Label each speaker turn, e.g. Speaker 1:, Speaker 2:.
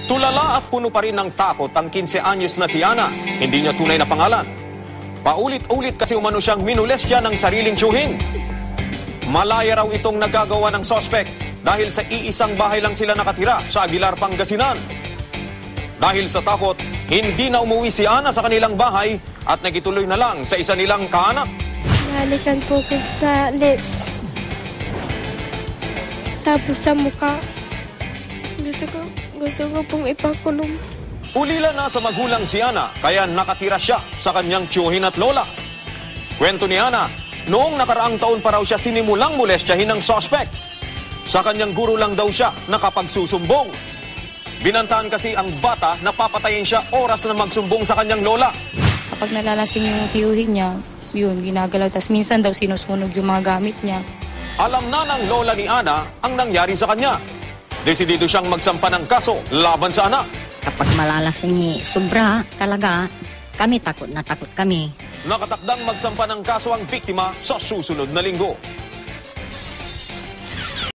Speaker 1: Tulala at puno pa rin ng takot ang 15 anyos na si Ana. Hindi niya tunay na pangalan. Paulit-ulit kasi umano siyang minolestya ng sariling tiyuhin. Malaya raw itong nagagawa ng sospek dahil sa iisang bahay lang sila nakatira sa Aguilar, Pangasinan. Dahil sa takot, hindi na umuwi si Ana sa kanilang bahay at nagituloy na lang sa isa nilang kaanak.
Speaker 2: Nalikan po ko sa lips. Tapos sa mukha. Gusto ko pong ipakulong.
Speaker 1: Ulila na sa magulang si Ana, kaya nakatira siya sa kanyang tiyuhin at lola. Kwento ni Ana, noong nakaraang taon pa raw siya sinimulang molestyahin ng sospek. Sa kanyang guro lang daw siya nakapagsusumbong. Binantaan kasi ang bata na papatayin siya oras na magsumbong sa kanyang lola.
Speaker 3: Kapag nalalasing yung tiyuhin niya, yun, ginagalaw. Tapos minsan daw sinusunog yung mga gamit niya.
Speaker 1: Alam na ng lola ni Ana ang nangyari sa kanya. Desidido siyang magsampa ng kaso laban sa anak.
Speaker 4: Kapag malalasing ni sobra talaga, kami takot na takot kami.
Speaker 1: Nakatakdang magsampa ng kaso ang biktima sa susunod na linggo.